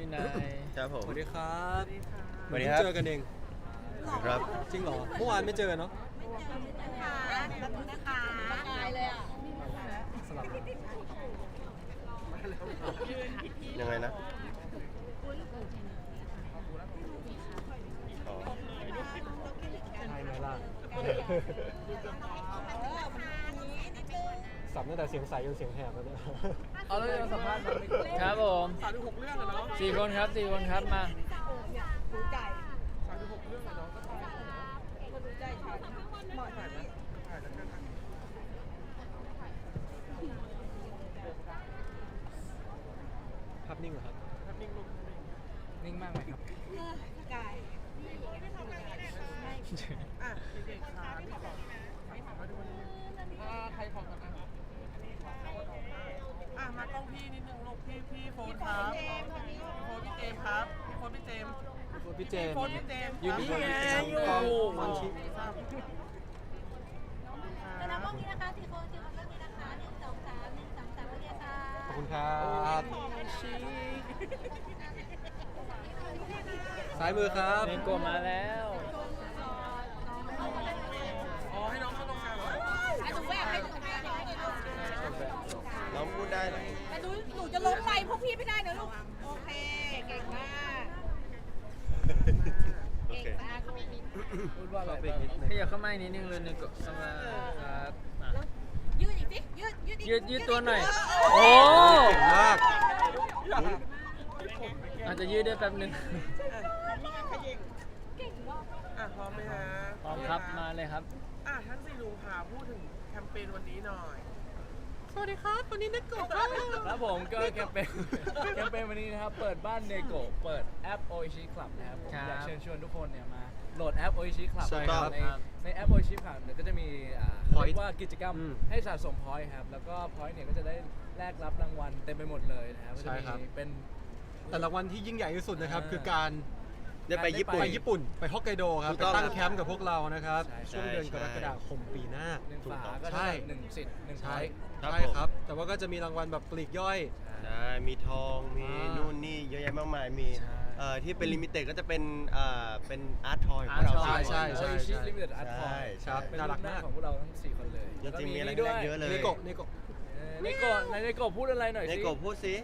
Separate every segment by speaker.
Speaker 1: นาย
Speaker 2: ครับผม
Speaker 3: สวัสดีครับ
Speaker 2: สวัสดีครับ
Speaker 3: เจอกันเอง
Speaker 2: ครับ
Speaker 3: จริงเหรอเมื่อวานไม่เจอเนาะ
Speaker 4: นะคะตายเลยอ่ะ
Speaker 3: สลับ
Speaker 2: ยังไงนะอ๋อ
Speaker 3: ใช่ไหมล่ะสับตั้งแต่เสียงใสจนเสียงแหบแล้วเนี่ย
Speaker 1: เอาแล้วจะสัมภาษณ์ครับผม36 เรื่องอะเนาะ4 คนครับ4 คนครับมา
Speaker 4: รู้ใจ
Speaker 5: 36 เรื่องอะเนาะก็ถ่าย
Speaker 4: คนรู้ใจฉันหมด
Speaker 5: ถ่ายนะถ่ายแล้วกันนะ
Speaker 3: ภาพนิ่งเหรอครับ
Speaker 5: ภาพนิ่งลง
Speaker 1: นิ่งมากไหมครับ
Speaker 4: กาย
Speaker 5: อ่ะเด็กๆค่ะพี่ขอมาดูวันนี้ใครขอกันอ่ะมากล้องพี่นิดนึงลูกพี่โฟนครับพี่โฟนพี่เจมส์ครับพี่โฟนพี่เจมส์
Speaker 3: พี่เจม
Speaker 5: โฟนพี่เจมส์
Speaker 3: อยู่นี่ไง
Speaker 5: อยู่
Speaker 3: มันชิ
Speaker 4: แล้วน้ำพวกนี้นะคะทีโคนทีโคนเรื่องนี้นะคะ1 2 3 1 2 3โอเคค่ะ
Speaker 3: ขอบคุณครับ ซ้ายมือครับ
Speaker 1: เนโกะมาแล้ว
Speaker 5: อ๋อให้น้องเข้าตรงกลางเหรอ
Speaker 4: ให้หนูแวกให้หนูแวก
Speaker 2: น้องพูดได้เหรอ
Speaker 4: แต่หนูจะล้มไปพวกพี่ไม่ได้นะลูก โอเค เก่งมาก
Speaker 2: โอ
Speaker 4: เก่ง
Speaker 2: เค
Speaker 4: มาก
Speaker 1: พูดว่าอะไร
Speaker 3: ขอเบรกนิดนึง
Speaker 1: ขยับเข้ามาอีกนิดนึงเลยเนโกะเข้ามาครับมา
Speaker 4: ยืดอีกสิยืดอีก
Speaker 1: ยืดตัวหน่อย โอ้
Speaker 3: เก่งมาก
Speaker 1: อาจจะยืดได้แป๊บนึง
Speaker 4: เก่งมาก
Speaker 5: อ่ะพร้อมไหมฮะ
Speaker 1: พร้อมครับมาเลยครับ
Speaker 5: อ่ะทั้ง4ลุงค่ะพูดถึงแคมเปญวันนี้หน่อย สวัสดีครับวันนี้นักกบ
Speaker 1: ครับผมก็แคมเปญวันนี้นะครับ เปิดบ้านเนโกะเปิดแอป Oishi Club นะครับผมอยากเชิญชวนทุกคนเนี่ยมาโหลดแอป Oishi Club
Speaker 3: ใช่ครับ
Speaker 1: ในแอป Oishi Club เนี่ยก็จะมีเขาเรีย
Speaker 3: Point
Speaker 1: กว่ากิจกรรม
Speaker 3: อืม
Speaker 1: ให้สะสม point ครับ แล้วก็ point เนี่ยก็จะได้แลกรับรางวัลเต็มไปหมดเลยนะครับก็
Speaker 3: ใช่
Speaker 1: จะ
Speaker 3: ครับ
Speaker 1: มีเป็น
Speaker 3: แต่รางวัลที่ยิ่งใหญ่ที่สุดนะครับ คือการ
Speaker 2: ได้ไปญี่ปุ่น
Speaker 3: ไปญี่ปุ่น ไปฮอกไกโดครับ
Speaker 2: ถูก
Speaker 3: ไป
Speaker 2: ต้อง
Speaker 3: ตั้งแคมป์กับพวกเรานะครับ
Speaker 1: ใช่
Speaker 3: ช่วงเดือน
Speaker 2: ใช่
Speaker 3: กรกฎาคมปีหน้า
Speaker 1: หนึ่ง
Speaker 2: ถูก
Speaker 1: ฝา
Speaker 2: ต้อง
Speaker 1: ก็
Speaker 3: ใช่
Speaker 1: ได้1 สิทธิ์1
Speaker 3: ใช่
Speaker 1: point
Speaker 2: ครับ
Speaker 3: ใช่ครับ แต่ว่าก็จะมีรางวัลแบบปลีกย่อย
Speaker 2: ใช่มีทองมี นู่นนี่เยอะแยะมากมายมี
Speaker 1: ใช่
Speaker 2: ที่เป็นลิมิเต็ดก็จะเป็นเป็นอาร์ตทอยของ
Speaker 1: Art
Speaker 2: เรา
Speaker 1: Toy
Speaker 3: ใช่
Speaker 2: สี่คน
Speaker 1: Oishi Limited Art
Speaker 2: ใช่
Speaker 1: Toy
Speaker 3: ครับ
Speaker 1: เป็น
Speaker 3: น่ารักมาก
Speaker 1: ของพวกเราทั้ง4 คนเลย
Speaker 2: จริงๆมีอะไร
Speaker 1: แล้ว
Speaker 2: ให้แลกเยอะเลย
Speaker 3: เนโกะเนโกะ
Speaker 1: เนโกะไหนเนโกะพูดอะไรหน่อย
Speaker 2: ใน
Speaker 1: สิ
Speaker 2: กบพูดสิ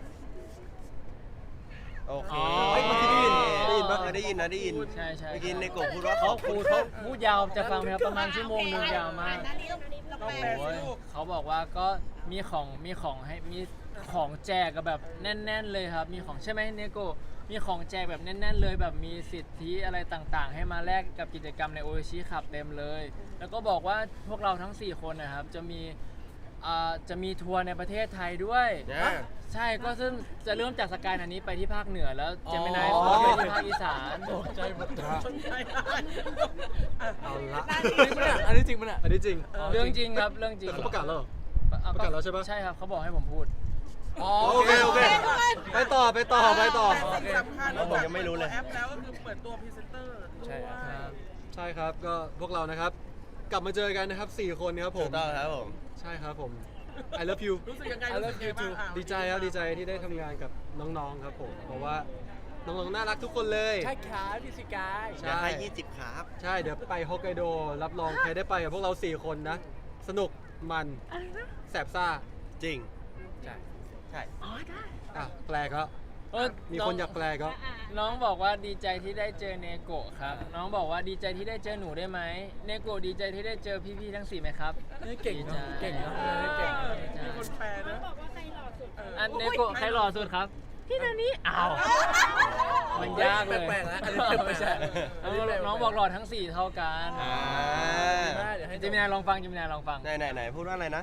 Speaker 2: โอเค
Speaker 1: อ๋อ
Speaker 3: เฮ้ยเมื่อกี้ได้ยินปะ
Speaker 2: ได้ยินนะได้ยิน
Speaker 1: ใช่ใช่
Speaker 2: เมื่อกี้ในกบพูดว่า
Speaker 1: เขา
Speaker 2: ขอบคุณ
Speaker 1: พูดยาวจะฟังไหมครับประมาณชั่วโมงนึงยาวมาก
Speaker 4: อันนี้เราแปล
Speaker 1: โอ้ยเขาบอกว่าก็มีของให้มีของแจกกับแบบแน่น ๆ เลยครับ มีของใช่ไหมเนโกะมีของแจกแบบแน่น ๆ เลยแบบมีสิทธิอะไรต่างๆ ให้มาแลกกับกิจกรรมในโอชิขับเต็มเลย แล้วก็บอกว่าพวกเราทั้ง 4 คนนะครับจะมีทัวร์ในประเทศไทยด้วย
Speaker 2: นะ
Speaker 1: ใช่ก็ซึ่งจะเริ่มจากสกายอันนี้ไปที่ภาคเหนือแล้วเจมินาย
Speaker 3: อ๋อ
Speaker 1: ไปที่ภาคอีสาน
Speaker 5: ใจหมดสนใจได้
Speaker 3: เอาละ
Speaker 1: อันนี้จริงปะเนี่ย
Speaker 3: อันนี้จริง
Speaker 1: เรื่องจริงครับเรื่องจริง
Speaker 3: แต่เขาประกาศแล้วเหรอ
Speaker 1: อ่
Speaker 3: ประกาศแล้วใช่ปะ
Speaker 1: ใช่ครับเขาบอกให้ผมพูด
Speaker 3: โอเคโอเค ไปต่อ
Speaker 5: แต่สิ่งสำคัญ
Speaker 2: ผมยังไม่รู้เลย
Speaker 5: แอปแล้วก็คือเปิดตัวพรีเซนเตอร์ด้วย
Speaker 1: ใช่ครับ
Speaker 3: ใช่ครับ ก็พวกเรานะครับ กลับมาเจอกันนะครับ 4 คนครับผ
Speaker 2: ถู
Speaker 3: ม
Speaker 2: กต้องครับผม
Speaker 3: ใช่ครับผม I love you
Speaker 5: รู้สึกยังไง
Speaker 1: I
Speaker 5: รู้
Speaker 1: love
Speaker 5: สึกยังไง
Speaker 1: you
Speaker 5: บ้าง
Speaker 1: too
Speaker 3: ดีใจครับ ดีใจที่ได้ทำงานกับน้องๆครับผม เพราะว่าน้องๆน่ารักทุกคนเลย
Speaker 1: ใช่ครับพี่สิกาย
Speaker 3: ใช่
Speaker 2: อยากให้20ครับ
Speaker 3: ใช่ เดี๋ยวไปฮอกไกโด รับรองใครได้ไปกับพวกเรา 4 คนนะ สนุก มันแสบซ่า
Speaker 2: จริง
Speaker 1: ใช่
Speaker 2: ใช่
Speaker 3: อ่ะ แปลก็ มีคนอยากแปลก็
Speaker 1: น้องบอกว่าดีใจที่ได้เจอเนโกะครับ น้องบอกว่าดีใจที่ได้เจอหนูได้ไหมเนโกะดีใจที่ได้เจอพี่ๆทั้ง4ไหมครับเก่งนะเก่งนะเก่ง
Speaker 5: มีคนแปลนะ
Speaker 1: อันเนโกะใครหล่อสุดครับพี่นานี้อ้าวมันยากเลย
Speaker 5: แปลกๆแล้ว
Speaker 1: ไม่ใช่น้องบอกหล่อทั้ง4เท่ากัน
Speaker 2: อ่า
Speaker 1: เดี๋ยวให้เจมินายลองฟังเจมินายลองฟัง
Speaker 2: ไหนพูดว่าอะไรนะ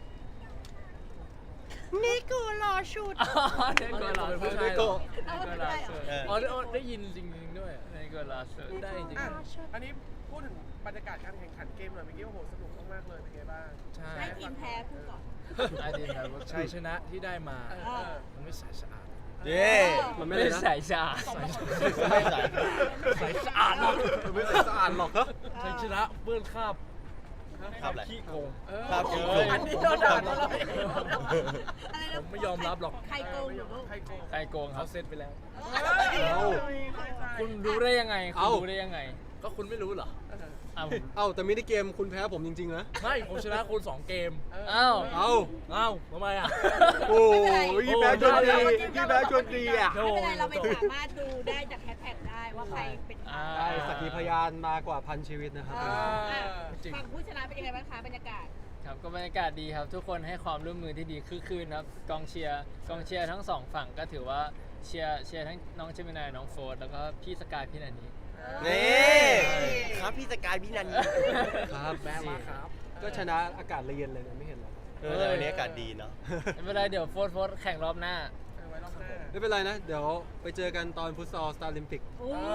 Speaker 1: เนโกะหล่อสุดเนโกะหล่อสุด
Speaker 3: เนโกะ
Speaker 2: เออ
Speaker 1: อ๋อได้ยินจริงๆด้วยเนโกะหล่อสุดได้จริง
Speaker 5: อ่ะอันนี้พูดถึงบรรยากาศการแข่งขันเกมหน่อยเมื่อกี้โอ้โหสนุกมากๆเลยเป็นไงบ้าง
Speaker 1: ใช่
Speaker 4: ให้ทีมแพ้พูดก่อน
Speaker 1: ได้ดีครับชัยชนะที่ได้มา มันไม่ใสสะอาด
Speaker 2: เย้
Speaker 3: มันไม่
Speaker 1: ไม่
Speaker 3: ได้
Speaker 1: ได้
Speaker 3: นะ
Speaker 1: ใสสะอาด
Speaker 2: ไม่ใส่
Speaker 1: ใสสะอาดหรอก
Speaker 3: มันไม่ได้สะอาดหรอกครับ
Speaker 1: ชัยชนะเปื้อนคราบ
Speaker 2: ครับแหละ
Speaker 6: ขี้โกง
Speaker 2: ครับ
Speaker 5: อันนี้เราด่าเราเลย
Speaker 4: อะไรนะ
Speaker 6: ผมไม่ยอมรับหรอก
Speaker 4: ใครโกงหรือลูก
Speaker 5: ใครโกง
Speaker 1: ใครโกงค
Speaker 6: เขา
Speaker 1: รับ
Speaker 6: เซตไปแล้ว
Speaker 3: เอา
Speaker 1: คุณรู้ได้ยังไง คุณ
Speaker 3: เอ้า
Speaker 1: รู้ได้ยังไง
Speaker 6: ก็คุณไม่รู้เหรอ
Speaker 1: อ้าว
Speaker 3: เอ้าแต่มินิเกมคุณแพ้ผมจริงๆนะ
Speaker 6: ไม่ ผมชนะคุณ 2 เกม
Speaker 1: อ้าว
Speaker 3: เอ้า
Speaker 6: อ้าวทำไมอ่ะ
Speaker 3: โอ้ยพี่แบ๊กชวนดีพี่แบ๊กชวนดีอ่ะ
Speaker 4: ไม่เป็นไรเราไม่สามารถดูได้จากแฮชแท็กได้ว่าใครเป็นใคร
Speaker 3: ได้สักขีพยานมากกว่าพันชีวิตนะครับ
Speaker 6: จริง
Speaker 4: ฝั่งผู้ชนะเป็นยังไงบ้างคะบรรยากาศ
Speaker 1: ครับก็บรรยากาศดีครับ ทุกคนให้ความร่วมมือที่ดีคือคืนครับกองเชียร์ทั้งสองฝั่งก็ถือว่าเชียร์ทั้งน้องเจมินายน้องโฟร์แล้วก็พี่สกายพี่นันนี่
Speaker 2: นี่ครับพี่สกายพี่นัน
Speaker 3: ครับ
Speaker 6: แม่มาครับ
Speaker 3: ก็ชนะอากาศเย็นเลยนะไม่เห็นเหรอ
Speaker 2: แต่วันนี้อากาศดีเนาะ
Speaker 1: ไม่เป็นไรเดี๋ยวโฟร์แข่งรอบหน้า
Speaker 5: ไว้รอบหน้า
Speaker 3: ไม่เป็นไรนะ เดี๋ยวไปเจอกันตอนฟุตซอลสตาร์ลิมปิก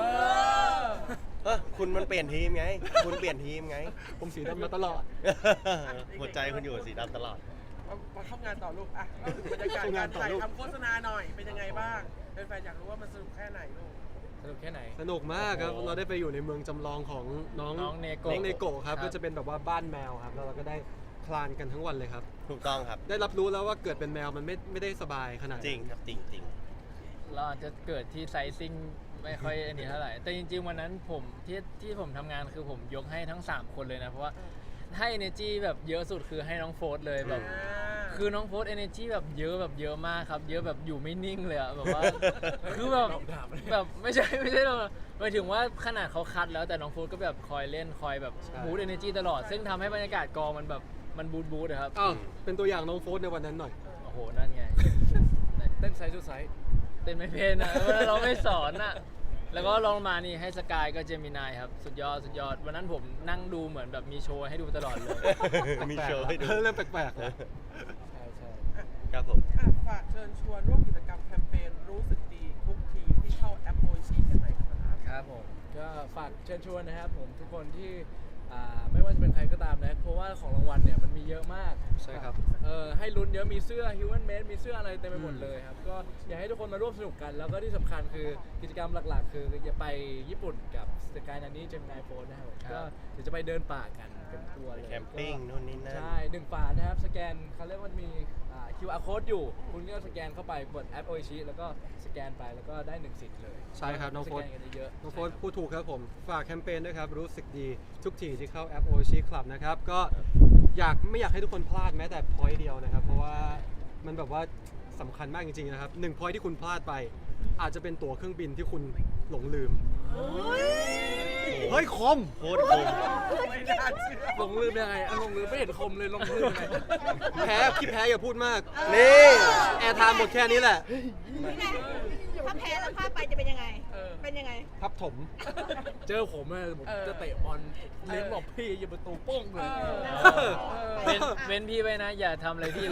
Speaker 2: คุณมันเปลี่ยนทีมไง คุณเปลี่ยนทีมไง
Speaker 3: ผมสีดำมาตลอด
Speaker 2: หัวใจคุณอยู่กับสีดำตลอด
Speaker 5: มาเข้างานต่อลูกอ่ะเล่าถึงบรรยากาศการถ่ายทำโฆษณาหน่อยเป็นยังไงบ้างแฟนๆอยากรู้ว่ามันสนุกแค่ไหนลูก
Speaker 6: สนุกแค่ไหน
Speaker 3: สนุกมากครับ
Speaker 1: โอ้โห
Speaker 3: เราได้ไปอยู่ในเมืองจำลองของน้อง
Speaker 1: น้องเนโกะ
Speaker 3: น้องเนโกะครับ
Speaker 1: ครับ
Speaker 3: ก็จะเป็นแบบว่าบ้านแมวครับ แล้วเราก็ได้คลานกันทั้งวันเลยครับ
Speaker 2: ถูกต้องครับ
Speaker 3: ได้รับรู้แล้วว่าเกิดเป็นแมวมันไม่ได้สบายขนาดนั้น
Speaker 2: จริงครับจริงจริง
Speaker 1: เราอาจจะเกิดที่ไซซิ่งไม่ค่อยอันนี้เท่าไหร่ แต่จริงๆวันนั้นผมที่ผมทำงานคือผมยกให้ทั้ง 3 คนเลยนะ เพราะว่าให้ energy แบบเยอะสุดคือให้น้องโฟร์เลยแบบ คือน้องโฟร์ energy แบบเยอะมากครับ เยอะแบบอยู่ไม่นิ่งเลยอะแบบว่า คือแบบไม่ใช่เราหมายถึงว่าขนาดเขาคัดแล้วแต่น้องโฟร์ก็แบบคอยเล่นคอยแบบบูต energy ตลอด ซึ่งทำให้บรรยากาศกองมันแบบมันบูตอะครับ
Speaker 3: อ้าวเป็นตัวอย่างน้องโฟสในวันนั้นหน่อย
Speaker 1: โอ้โหนั่นไง
Speaker 6: เต้นไซส์ทุกไซส์
Speaker 1: เต้นไม่เป็นอะเราไม่สอนอะแล้วก็ลองมานี่ให้สกายก็เจมินายครับสุดยอดวันนั้นผมนั่งดูเหมือนแบบมีโชว์ให้ดูตลอดเลย
Speaker 2: มีโชว์ให้ดู
Speaker 3: เริ่มแปลกๆแล้ว
Speaker 6: ใช่ใช่
Speaker 2: ครับผม
Speaker 5: ฝากเชิญชวนร่วมกิจกรรมแคมเปญรู้สึกดีทุกทีที่เข้าแอปโอชีกันหน่อยครับ
Speaker 6: ครับผม ก็ฝากเชิญชวนนะครับผมทุกคนที่ไม่ว่าจะเป็นใครก็ตามนะ เพราะว่าของรางวัลเนี่ยมันมีเยอะมาก
Speaker 3: ใช่ครับ
Speaker 6: ให้ลุ้นเยอะมีเสื้อ Human Made มีเสื้ออะไรเต็มไปหมดเลยครับ ก็อยากให้ทุกคนมาร่วมสนุกกัน แล้วก็ที่สำคัญคือกิจกรรมหลักๆ คือจะไปญี่ปุ่นกับสกายนันนี่เจมินายโฟนนะครับ
Speaker 1: ครับ
Speaker 6: ก็เดี๋ยวจะไปเดินป่ากันเป็นทัวร์เลย
Speaker 2: แคมปิ้งนู่นนี่นั่น
Speaker 6: ใช่1 ฝานะครับ สแกนเขาเรียกว่ามีQR code อยู่ คุณก็สแกนเข้าไปกดแอปโอชิแล้วก็สแกนไปแล้วก็ได้1 สิทธิ์เลย
Speaker 3: ใช่ครับน้องโฟ
Speaker 6: ส
Speaker 3: ส
Speaker 6: แกนกันเยอะๆ
Speaker 3: น้องโฟสพูดถูกครับผม ฝากแคมเปญด้วยครับ รู้สึกดีทุกทีที่เข้าแอป OC Club นะครับ ก็ไม่อยากให้ทุกคนพลาดแม้แต่พอยต์เดียวนะครับ เพราะว่ามันแบบว่าสำคัญมากจริงๆนะครับ1 พอยต์ที่คุณพลาดไป อาจจะเป็นตั๋วเครื่องบินที่คุณหลงลืม เฮ้ย คม
Speaker 2: โคตรคม
Speaker 5: ไม่น่าเชื่อ
Speaker 6: ลงลืมยังไงลงลืมไม่เห็นคมเลยลงลืมยังไง
Speaker 3: ขี้แพ้อย่าพูดมาก
Speaker 2: นี่
Speaker 3: แอร์ไทม์หมดแค่นี้แหละ
Speaker 4: นี่ไงถ้าแพ้แล้วพลาดไปจะเป็นยังไง เป็นยังไง
Speaker 3: พับถม
Speaker 6: เจอผมอะผมจะเตะบอลเลี้ยงบอกพี่อย่าประตูโป้งเลย
Speaker 1: เว้นพี่ไว้นะ อย่าทำอะไรพี่เลย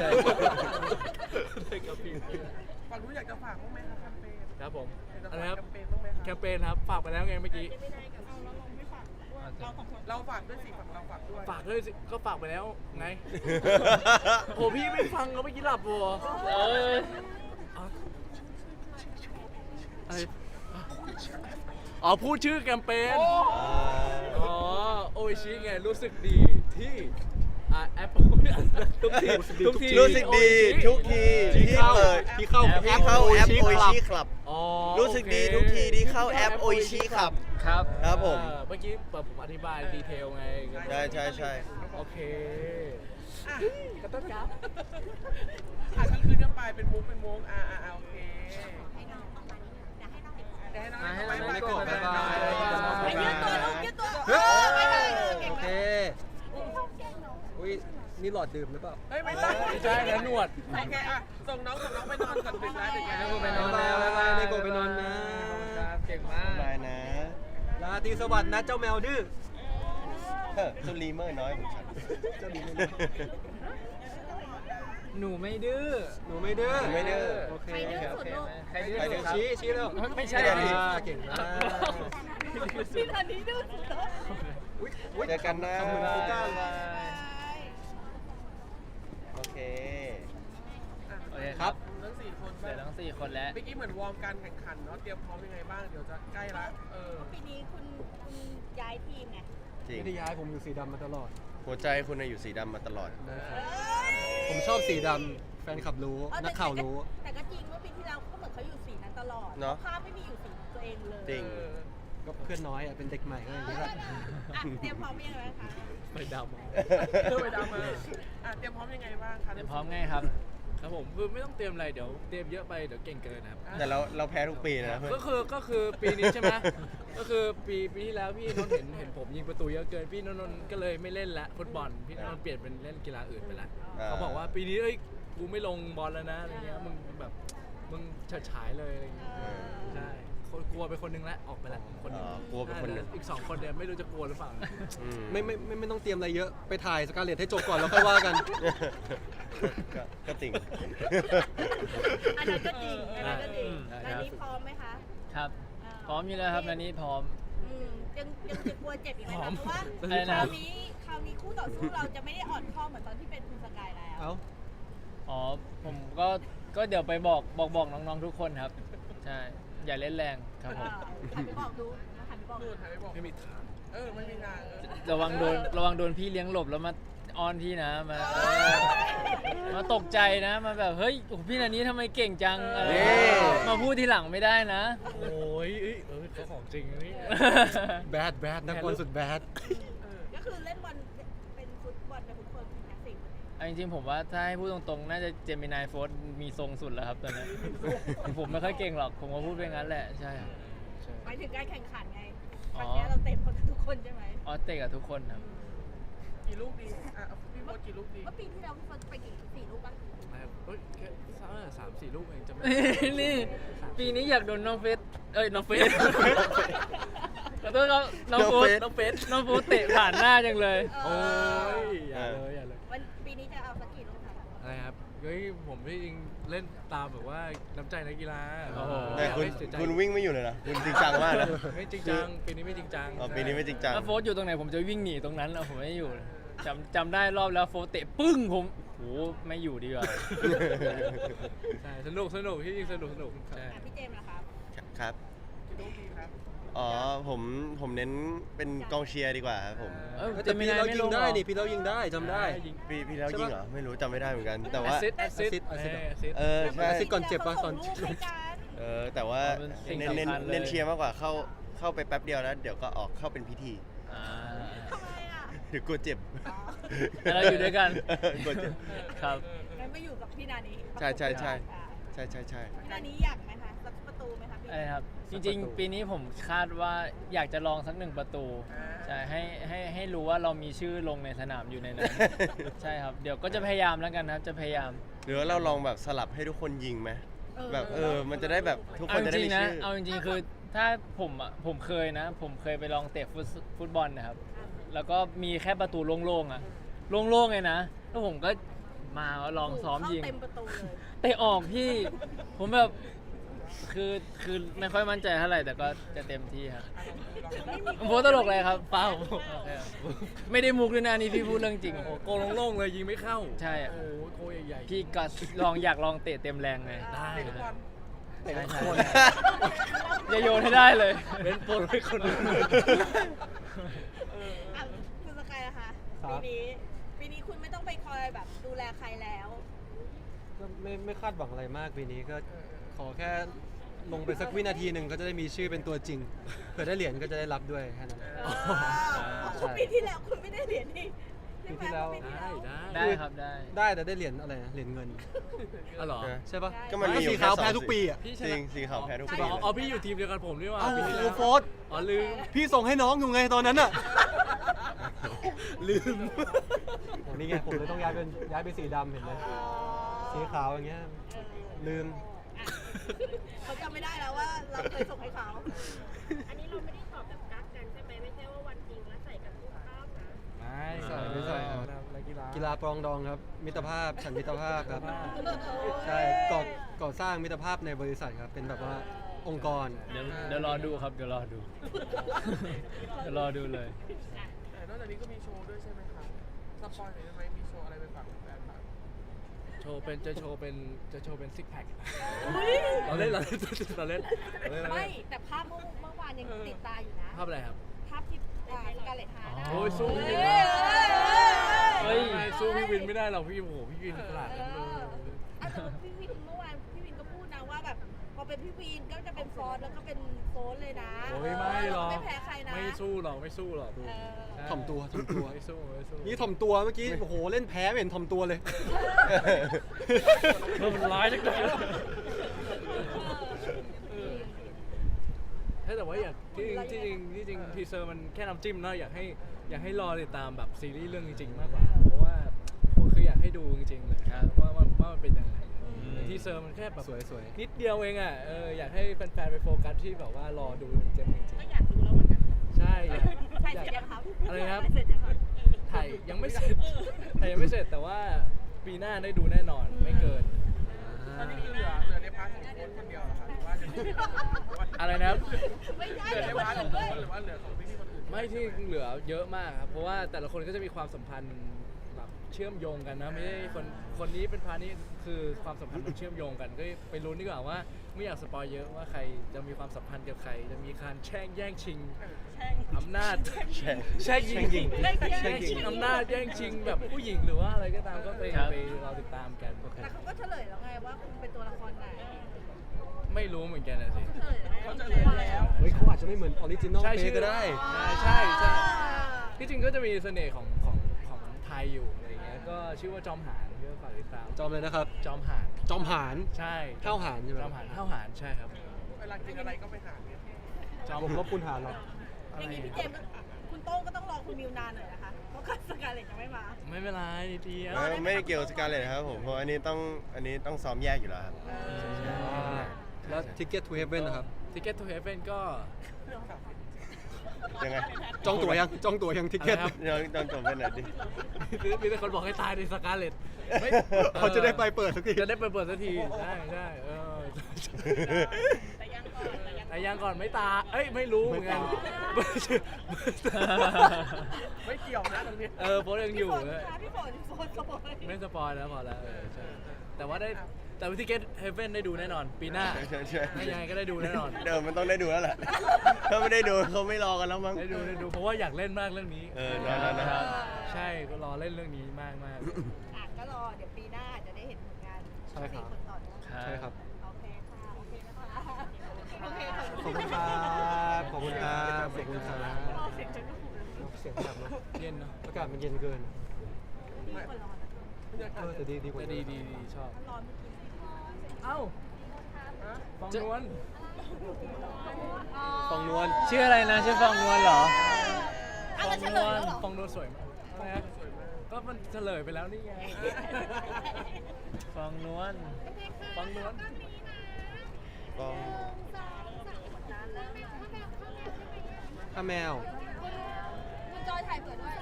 Speaker 5: ฝั่งนู้นอยากจะฝากบ้างไหมครับแคมเปญ
Speaker 6: ครับผม
Speaker 5: อยากจะ
Speaker 6: อะไร
Speaker 5: ฝาก
Speaker 6: ครับ
Speaker 5: แคมเปญบ้างไหมค
Speaker 6: แค
Speaker 5: รับ
Speaker 6: มเปญครับฝากไปแล้วไงเมื่อกี้
Speaker 5: เราฝากด้วยสิฝั่งเราฝากด้วย
Speaker 6: ฝากด้วยสิก็ฝากไปแล้วไง โอ้พี่ไม่ฟังก็เมื่อกี้หลับวัว
Speaker 1: เอ้ย
Speaker 6: อะไรอ๋อพูดชื่อแคมเปญอ๋อโออิชิไงรู้สึกดีที่แอปทุกที
Speaker 2: รู้สึกดีทุกทีที่เปิด
Speaker 3: ที่เข้า
Speaker 2: ที่เข้าแอป
Speaker 3: Oishi
Speaker 2: โอ
Speaker 3: Club
Speaker 2: ชิคลับ
Speaker 6: อ๋อ
Speaker 2: รู้สึกดีทุกทีที่เข้าแอปโอชิครับ
Speaker 1: ครับ
Speaker 2: ครับผม
Speaker 6: เมื่อกี้ผมอธิบายดีเทลไง
Speaker 2: ใช่
Speaker 6: โอเค
Speaker 5: อ่ะ
Speaker 6: ขอโทษครับ
Speaker 5: ก็คืนกันไปเป็นมุกโอเค
Speaker 4: ให้น้องออกมานิดนึงเดี๋ยวให้น้อง
Speaker 5: เดี๋ยวให้น้อง
Speaker 1: ให้
Speaker 5: ไป
Speaker 1: น้อง
Speaker 5: ไป
Speaker 1: ก่อน
Speaker 5: ไป
Speaker 1: บ๊ายบาย
Speaker 4: ให้ยืดตัวลูกยืดตัว
Speaker 3: เฮ้ย
Speaker 4: บ๊ายบายเก่ง
Speaker 3: โอ
Speaker 4: มา
Speaker 3: เค
Speaker 4: ก
Speaker 3: อุ้ยนี่หลอดดื่มหรือเปล่า
Speaker 5: เฮ้ยไม่ใช่
Speaker 6: ไม่ใช่นะหนวด
Speaker 5: โอเคอ่ะส่งน้องไปนอนก่อนดึกแล้วเดี๋ยวแก
Speaker 1: เนโกะไปนอนแล้ว
Speaker 3: บ๊ายบายเนโกะไปนอนนะ
Speaker 1: ครับเก่งมาก
Speaker 2: ได้นะ
Speaker 3: ราตรีสวัสดิ์นะเจ้าแมวดื้อ
Speaker 2: เจ้าลีเมอร์น้อยของฉัน
Speaker 3: เจ้าดีไม่
Speaker 1: หนูไม่ดื้อ
Speaker 3: หนูไม่ดื้อ
Speaker 2: หนูไม่ดื้อ
Speaker 3: โอเค
Speaker 4: ใครดื้อสุดลูก
Speaker 1: ใครดื้อ
Speaker 2: ใครดื้อ
Speaker 1: ครับ
Speaker 3: ชี้แล้ว
Speaker 1: ไม่ใช่
Speaker 3: เก่งมาก
Speaker 4: พี่ตอนนี้ดื้อสุดเลย
Speaker 3: อุ๊ย
Speaker 2: เจอกันนะ
Speaker 3: ขอบคุณครูก้า
Speaker 2: โอเค
Speaker 1: โอเค
Speaker 3: ครับ
Speaker 5: ทั้ง4 คน
Speaker 1: เดี๋ยวทั้ง4 คนแล้ว
Speaker 5: เมื่อกี้เหมือนวอร์มการแข่งขันเนาะเตรียมพร้อมยังไงบ้างเดี๋ยวจะใกล้ละ
Speaker 4: ปีนี้คุณย้ายทีมไง
Speaker 2: จริง
Speaker 3: ไม่ได้ย้ายผมอยู่สีดำมาตลอด
Speaker 2: หัวใจคุณน่ะอยู่สีดำมาตลอด
Speaker 3: ผมชอบสีดำแฟนคลับรู้ นักข่าวรู้
Speaker 4: แต่ก็จริงว่าปีที่แล้วเขาเหมือนเขาอยู่สีนั้นตลอด
Speaker 2: เนอะ
Speaker 4: ภาพไม่มีอยู่สีตัวเองเลย
Speaker 2: จริง
Speaker 3: ก็เพื่อนน้อยอ่ะ เป็นเด็กใหม่ก็อย่างนี้แหละ
Speaker 4: อ่ะเตรียมพร้อมยังไงบ้างคะ
Speaker 6: ไปดำ
Speaker 5: เริ่มไปดำมาเตรียมพร้อมยังไงบ้างคะ
Speaker 1: เตรียมพร้อมไงครับ
Speaker 6: ครับผมคือไม่ต้องเตรียมอะไรเดี๋ยวเตรียมเยอะไปเดี๋ยวเก่งเกินนะครับ
Speaker 2: แต่เราแพ้ทุกปีนะเพื่อน
Speaker 6: ก็คือปีนี้ใช่ไหม ก็คือปีที่แล้วพี่นนท์เห็นผมยิงประตูเยอะเกินพี่นนท์ก็เลยไม่เล่นละฟุตบอลพี่นนท์เปลี่ยนเป็นเล่นกีฬาอื่นไปละเขาบอกว่าปีนี้เอ้ยกูไม่ลงบอลแล้วนะอะไรเงี้ยมึงแบบมึงเฉิดฉายเลยอะไรเงี้ยใช่กลัวไปคนนึงแล้วออกไปละคนนึง
Speaker 2: กลัวเป็นคนหนึ่ง
Speaker 6: อีก2 คนเนี่ยไม่รู้จะกลัวหรือเปล่า
Speaker 2: อืม
Speaker 3: ไม่ต้องเตรียมอะไรเยอะ ไปถ่ายสการ์เลตให้จบก่อนแล้วค่อยว่ากัน
Speaker 2: ก็จริง
Speaker 4: อันนั้นก็จริงอันนั้นก็จริง
Speaker 1: อ่า
Speaker 4: อันนี้พร้อมไหมคะ
Speaker 1: ครับ พร้อมอยู่แล้วครับนันนี้พร้อม
Speaker 4: ยังจะกลัวเจ็บอีกไหม
Speaker 6: พร้อ
Speaker 4: คะ
Speaker 6: ม
Speaker 4: เพราะว่า
Speaker 1: อะไร
Speaker 4: ค
Speaker 1: นะ
Speaker 4: ราวนี้คู่ต่อสู้เราจะไม่ได้อ่อนข้อเหมือนตอนที่เป็นคุณสกายแล้ว
Speaker 3: เอ้า
Speaker 1: อ๋อผมก็เดี๋ยวไปบอกน้องๆทุกคนครับ ใช่ อย่าเล่นแรงครับผม
Speaker 4: หันไปบอกดูหันไปบอก
Speaker 5: นู่นถ่ายไปบอก
Speaker 6: ไม่มีทาง
Speaker 5: ไม่มีทาง
Speaker 1: ระวังโดนพี่เลี้ยงหลบแล้วมาออนพี่นะมาตกใจนะมาแบบเฮ้ยโอ้โหพี่นันนี้ทำไมเก่งจังอะไร
Speaker 2: นี่
Speaker 1: มาพูดทีหลังไม่ได้นะ
Speaker 6: โอ้ยเขาของจริงนะนี่
Speaker 3: แบดนักบอลสุดแบด
Speaker 4: ก็คือเล่นบอลเป็นฟุตบอลเป็นทุกคนแท็กซี่
Speaker 1: เอาจริงๆผมว่าถ้าให้พูดตรงๆ น่าจะเจมินายโฟร์มีทรงสุดแล้วครับตอนนี้ ผมไม่ค่อยเก่งหรอก ผมก็พูดไปงั้นแหละ ใช่ครับ
Speaker 4: หมายถึงการแข่งขันไง
Speaker 1: อ๋
Speaker 4: ค
Speaker 1: อ
Speaker 4: รั้งนี้เราเตะบอลทุกคนใช่ไหม
Speaker 1: ออสเตะกับทุกคนครับ
Speaker 5: กี่ลูกดีพี่โบ๊ทกี่ลูกดี
Speaker 4: เมื่อปีที่แล้วพี่เฟิร์สไปกี่4 ลูกบ้าง
Speaker 6: เฮ้ยแค่3-4 ลูกเองจะไม่
Speaker 1: นี่ ปีนี้อยากโดนน้องเฟสน้องเฟสขอโทษครับน้องโฟส
Speaker 6: น้องเฟส
Speaker 1: น้องโฟสเตะผ่านหน้าจังเลย
Speaker 6: โอ้ยอย่าเลย
Speaker 4: วันปีนี้จะเอาสักกี่ลูกคะ
Speaker 6: อะไรครับเฮ้ยผมที่จริงเล่นตามแบบว่าน้ำใจนักกีฬา
Speaker 1: โอ้โห
Speaker 2: แต่คุณวิ่งไม่อยู่เลยนะ คุณจริงจังมากนะ
Speaker 6: ไม่จริงจังปีนี้ไม่จริงจัง
Speaker 2: อ๋อปีนี้ไม่จริงจัง
Speaker 1: ถ้าโฟสอยู่ตรงไหนผมจะวิ่งหนีตรงนั้นแล้วผมไม่อยู่จำได้รอบแล้วโฟสเตะปึ้งผมโหไม่อยู่ดีกว่า
Speaker 6: ใช่สนุกที่จริงสนุกใช่
Speaker 4: พี่เจมส์นะครับ
Speaker 2: ครับ
Speaker 5: กี่ลูกดีครับ
Speaker 2: อ๋อผมเน้นเป็นกองเชียร์ดีกว่าครับผม
Speaker 1: เอ้ย
Speaker 3: แต่พี่เรายิงได้
Speaker 1: ไม่ลงหรอ
Speaker 3: นี่พี่เรายิงได้จำได้
Speaker 2: พี่แล้วยิงเหรอ ไม่รู้จำไม่ได้เหมือนกัน แต่ว่า
Speaker 6: แอสซิส
Speaker 3: assist
Speaker 2: เออใช่
Speaker 3: assist ก่อนเจ็บปะ
Speaker 4: ส่งลูกให้กัน
Speaker 2: แต่ว่า
Speaker 1: เป็นสิ่ง
Speaker 2: เน้น
Speaker 1: สำคัญเลย
Speaker 2: เน้นเชียร์มากกว่าเข้าไปแป๊บเดียวแล้วเดี๋ยวก็ออกเข้าเป็นพิธี
Speaker 1: อ่า
Speaker 4: ทำไมอ่ะ
Speaker 2: เดี๋ยวกลัวเจ็บ
Speaker 1: แต่เราอยู่ด้วยกัน
Speaker 2: กลัวเจ็บ
Speaker 1: ครับ
Speaker 4: งั้นไปอยู่กับพี่นานี
Speaker 2: ใช่
Speaker 4: อ่า
Speaker 2: ใช่
Speaker 4: พี่นานีอยากไหมคะสักประตูไหมคะพี่
Speaker 1: อะไรครับ จริงๆ ปีนี้ผมคาดว่าอยากจะลองสัก1 ประตูใช่ให้รู้ว่าเรามีชื่อลงในสนามอยู่ในนั้น ใช่ครับ เดี๋ยวก็จะพยายามแล้วกันครับ จะพยายาม
Speaker 2: หรือว่าเราลองแบบสลับให้ทุกคนยิงไหมแบบมันจะได้แบบทุกคนจะได้มีชื่อ
Speaker 1: เอาจริงๆคือถ้าผมเคยนะ ผมเคยไปลองเตะฟุตบอลนะครับ แล้วก็มีแค่ประตูโล่งๆอ่ะโล่งๆเลยนะแล้วผมก็มาลองซ้อมยิง
Speaker 4: เข้าเต็มประตูเลย
Speaker 1: เตะออกพี่ ผมแบบคือไม่ค่อยมั่นใจเท่าไหร่แต่ก็จะเต็มที่ครับผมโพสตลกเลยครับเปล่าโอเคครับไม่ได้มุกด้วยนะนี่พี่พูดเรื่องจริง
Speaker 6: โอ้โกโล่งๆเลยยิงไม่เข้า
Speaker 1: ใช่อะ
Speaker 6: โอ้โหโกใหญ่ๆ
Speaker 1: พี่ก็อยากลองเตะเต็มแรงเลย
Speaker 6: ได้
Speaker 5: เตะทุกวัน
Speaker 1: ใช่ใช่อย่าโยนให้ได้เลย
Speaker 6: เป็นโปรให้คนอื่น
Speaker 4: อ่ะคุณสกายนะคะ
Speaker 3: ครับ
Speaker 4: ปีนี้คุณไม่ต้องไปคอยแบบดูแลใครแล้ว
Speaker 3: ก็ไม่คาดหวังอะไรมากปีนี้ก็ขอแค่ลงไปสักวินาทีหนึ่งก็จะได้มีชื่อเป็นตัวจริงเผื่อได้เหรียญก็จะได้รับด้วยแค่นั้น
Speaker 4: เพราะปีที่แล้วคุณไม่ได้เหรียญนี่ใช่ไหม
Speaker 3: ปีที่แล้ว
Speaker 4: ปีที่แล้ว
Speaker 1: ได้ครับได้
Speaker 3: ได้แต่ได้เหรียญอะไรนะเหรียญเงิน
Speaker 6: อ๋อเหรอ
Speaker 3: ใช่ปะ
Speaker 2: ก็มันมีอยู่
Speaker 3: สี
Speaker 2: แค่
Speaker 3: ขาว
Speaker 2: สอง
Speaker 3: แพ้ทุกปีอ่ะ
Speaker 6: พี่ช
Speaker 2: จริ
Speaker 6: นะ
Speaker 2: งสีขาวแพ้ทุกปี
Speaker 6: อ๋อพี่อยู่ทีมเดียวกันผมนี่หว่า
Speaker 3: เอ้า
Speaker 6: ปีที่แล้ว
Speaker 3: โฟร์
Speaker 6: อ๋อลืม
Speaker 3: พี่ส่งให้น้องอยู่ไงตอนนั้นอ่ะ ลืมโอ้นี่ไงผมเลยต้องย้ายไปสีดำเห็นไหมสีขาวอย่างเงี้ยลืม
Speaker 4: เขาจำไม่ได้แล้วว่าเราเคยส่งให้เขา
Speaker 7: อันนี้เราไม่ได้ตอบแบบกักกันใช่ไหมไม่ใช่ว่าวันจริงแล้วใส่กันทุกภาพนะ
Speaker 3: ไม่ใส่ครับ
Speaker 6: นักกีฬา
Speaker 3: กีฬาปรองดองครับ มิตรภาพฉันมิตรภาพครับ ใช่ก่อสร้างมิตรภาพในบริษัทครับ เป็นแบบว่าองค์กร
Speaker 1: เดี๋ยวรอดูครับเดี๋ยวรอดู เดี๋ยวรอดูเลย
Speaker 5: แต่นอกจากนี้ก็มีโชว์ด้วยใช่ไหมครับสปอยหน่อยได้ไหมมีโชว์อะไรไปฝากแฟนๆบ้าง
Speaker 6: จะโชว์เป็นซิกแพคเราเล่น
Speaker 4: ไม่แต่ภาพเมื่อวานยังติดตาอยู่นะ
Speaker 6: ภาพอะไรครับ
Speaker 4: ภาพที่สการ์เล็ตฮาร์ด
Speaker 6: โอ้ยสู้
Speaker 4: เออ
Speaker 1: เฮ้ย
Speaker 6: ไม่สู้พี่วินไม่ได้หรอกพี่โอ้โหพี่วินขนาดนั้นเลย
Speaker 4: อาจจะพี่วินเมื่อวานพี่วินก็พูดนะว่าแบบพอเป็นพี่วินก็จะเป็นฟอสแล้วก็เป็นโฟนเลยนะ
Speaker 6: โอ้ยไม่หรอก
Speaker 4: ไม่แพ้ใครนะ
Speaker 6: ไม่สู้หรอกไม่สู้หรอก
Speaker 4: เออ
Speaker 6: ใช่
Speaker 3: ถ่อมตัวถ่อมตัว
Speaker 6: ไม่สู้ไม่สู้
Speaker 3: นี่ถ่อมตัวเมื่อกี้โอ้โหเล่นแพ้ไม่เห็นถ่อมตัวเลย
Speaker 6: เธอมันร้ายจังเลยแต่ว่าอยากที่จริงทีเซอร์มันแค่น้ำจิ้มเนาะอยากให้รอติดตามแบบซีรีส์เรื่องจริงๆมากกว่าเพราะว่าผมคืออยากให้ดูจริงๆเลยครับว่ามันเป็นยังไงทีเซอร์มันแค่แบบ
Speaker 3: สวย
Speaker 6: นิดเดียวเองอ่ะอยากให้แฟนๆไปโฟกัสที่แบบว่ารอดูเต็มจริง
Speaker 4: ก็อยากดูแล้วเหมือนกัน
Speaker 6: ๆใช่
Speaker 4: ถ่ายเสร็จยังครับ
Speaker 6: อะไรนะครับ
Speaker 4: ถ่ายเสร็จยังครับ
Speaker 6: ถ่ายยังไม่เสร็จแต่ว่าปีหน้าได้ดูแน่นอนไม่เกิน
Speaker 5: ตอนนี้คือเหลือในพาร์ทของโค้ชคนเดียวเหรอครับหรือว่าจะมี
Speaker 6: อะไรนะครับ
Speaker 4: ไม่ใช่
Speaker 5: เหลือ
Speaker 4: เดี๋
Speaker 5: ใน
Speaker 4: ยวคน
Speaker 5: พาร์ทข
Speaker 4: อื่
Speaker 5: อง
Speaker 4: นด้วย
Speaker 5: โค้ชหรือว่าเหลือของพี่ๆคนอื่น
Speaker 6: ไม่ที่เหลือเยอะมากครับเพราะว่าแต่ละคนก็จะมีความสัมพันธ์แบบเชื่อมโยงกันนะไม่ใช่คนนี้เป็นพาร์ทนี้คือความสัมพันธ์มันเชื่อมโยงกันก็ไปลุ้นดีกว่าว่าไม่อยากสปอยเยอะว่าใครจะมีความสัมพันธ์กับใครจะมีการแย่งชิงอำนาจแช่งยิงแย่งชิงอำนาจแย่งชิงแบบผู้หญิงหรือว่าอะไรก็ตามก็ไปรอติดตามกัน
Speaker 4: แต่เขาก็เฉลยแล้วไงว่าคุณเป็นตัวละครไหน
Speaker 6: ไม่รู้เหมือนกันนะสิ
Speaker 4: เฉลยแล้ว
Speaker 5: เขาจะเรียนแล้ว
Speaker 3: ๆเฮ้ยเขาอาจจะไม่เหมือนออริจินอล
Speaker 6: ใช่
Speaker 3: เพลงก็ได้
Speaker 6: ใช่ที่จริงก็จะมีเสน่ห์ของไทยอยู่อะไรเงี้ยก็ชื่อว่าจอมหานก็ฝากติดตาม
Speaker 3: จอมเลยนะครับ
Speaker 6: จอมหาน
Speaker 3: จอมหาน
Speaker 6: ใช่
Speaker 3: ข้าวหารใช่ไหม
Speaker 6: จอมหานข้าวหารใช่ครับ
Speaker 5: เวลากินอะไรก็ไปหาเนี่ย
Speaker 6: จอม
Speaker 3: ผมลบคุณหารหรอก
Speaker 4: อย่างนี้พี่เจมส์ก็คุณโต้งก็ต้องรอคุณมิวนานหน่อยนะคะเพราะคัสการ์เล็ตยังไม่มา
Speaker 6: ไม่เป็นไรทีเดียว
Speaker 2: ไม่ได้เกี่ยวกับสการ์เลยนะครับผมเพราะอันนี้ต้องซ้อมแยกอยู่แล้วครับ
Speaker 3: แล้ว Ticket to Heaven นะครับ
Speaker 6: ทิกเก็ตทูเฮเว่นก็
Speaker 2: ยังไง
Speaker 3: จองตั๋วยังทิเก็ต
Speaker 6: อะไรครับ
Speaker 2: ยังจบไปไหนอยดิ
Speaker 6: มีแต่คนบอกให้ตายในสกาเลต
Speaker 3: เขาจะได้ไปเปิดสักที
Speaker 6: จะได้เปิดสักทีใช่แต่ยังก่อนไม่ตาเอ้ยไม่รู้เหมือนกัน
Speaker 5: ไม่เกี่ยวนะตรงนี้
Speaker 6: โพสยังอยู่เลย
Speaker 4: พี่ฝนสปอย
Speaker 6: ไม่สปอยแล้วพอแล้วใช่แต่ว่าทิกเก็ตเฮเว่นได้ดูแน่นอน ปีหน้า
Speaker 2: ใช่
Speaker 6: ไม่ยังไงก็ได้ดูแน่นอน
Speaker 2: เดิมมันต้องได้ดูแล้วแหละ ถ้าไม่ได้ดูเขาไม่รอกันแล้วมั้ง
Speaker 6: ได้ดูเพราะว่าอยากเล่นมากเรื่องนี้
Speaker 2: นะครับ
Speaker 6: ใช่ก็รอเล่นเรื่องนี้มาก
Speaker 4: อ่ะก็รอเดี๋ยวปีหน้าจะได้เห็นผลงาน
Speaker 3: ใช่ครับ
Speaker 4: สี่คนต่อเนื่อง
Speaker 3: ใช่ครับ
Speaker 4: โอเคค่ะโอเคนะคะโอเค
Speaker 3: ขอบคุณครับขอบคุณครับขอบคุณครับเสียงแบบเนาะ
Speaker 6: เย็นเนาะ
Speaker 3: อากาศมันเย็นเกิน
Speaker 4: มีคนรอนะ
Speaker 3: แต่ดีกว่า
Speaker 6: แต่ดีชอบ
Speaker 4: ร้อนเมื่อกี้
Speaker 6: เอ้าฟองนวล
Speaker 3: ฟองนวล
Speaker 1: ชื่ออะไรนะชื่อฟองนวลเหรอ
Speaker 4: อ่ะแล้วเฉลยแล้วเหรอ
Speaker 6: ฟองนวลสวยมากอะไรนะก็มันเฉลยไปแล้วนี่ไง
Speaker 1: ฟองนวล
Speaker 6: ฟองนวล
Speaker 2: ก็
Speaker 3: ถ้าแมว
Speaker 4: คุณจอยถ่ายเผื่อด้วย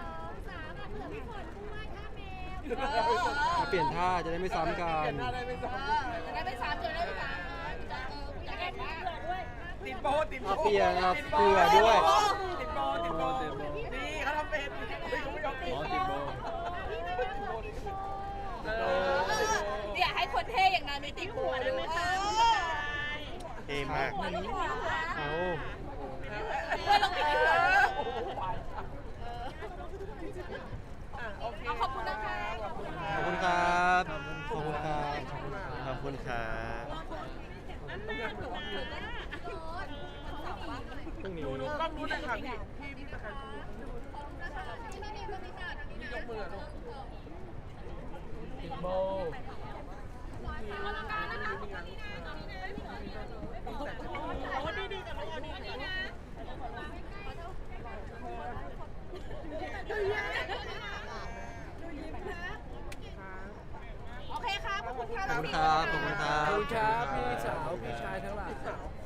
Speaker 3: เปลี่ยนท่าจะได้ไม่ซ้ำกัน
Speaker 4: จะได้ไม่ซ้ำจะได้ไม่ซ้ำจะได้มาก
Speaker 5: ติดโบติดโบ
Speaker 3: เปลี่ยนครับเผื่อด้วย
Speaker 5: ติดโบนี่เขาทำเป็นไม่ยอมติด
Speaker 6: อ๋อติดโบ
Speaker 4: เนี่ยให้คนเท่อย่างนั้นไม่ติดหัวได้ไหมคะ
Speaker 2: เท่มาก
Speaker 3: เอา
Speaker 4: เพื่อนลองติดหัวเอาขอบคุณนะคะ
Speaker 3: ขอบคุณครับขอบคุณครับ
Speaker 2: ขอบคุณครับ
Speaker 3: พรุ่งนี้
Speaker 5: ดูกล้องนู้นเลยค่ะพี่ประกันยกมือลูก
Speaker 6: ติดโบ
Speaker 4: โอเคครับขอบคุณครับ
Speaker 3: ขอบคุณครับขอบคุณครับ
Speaker 6: ขอบคุณครับพี่สาวพี่ชายทั้งหลาย